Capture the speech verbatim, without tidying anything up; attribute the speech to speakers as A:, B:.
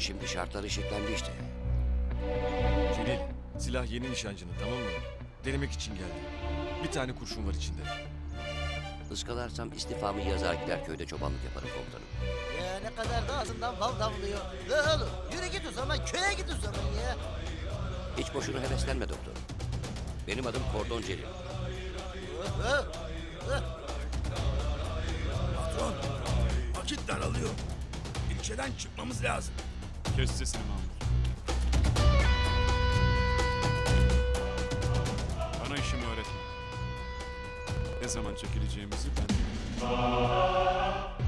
A: Şimdi şartlar eşitlendi işte.
B: Celil, silah yeni nişancının, tamam mı? Denemek için geldi. Bir tane kurşun var içinde.
A: Iskalarsam istifamı yazar gider köyde çobanlık yaparım komutanım.
C: Ya ne kadar da ağzından bal damlıyor. La oğlum yürü git o zaman köye git o zaman ya.
A: Hiç boşuna heveslenme doktor. Benim adım Kordon Celil.
C: Oh, oh, oh.
D: Patron, vakit daralıyor. İlçeden çıkmamız lazım.
E: Kes sesini Mahmut. Bana işimi öğretme. Ne zaman çekileceğimizi ben biliyorum.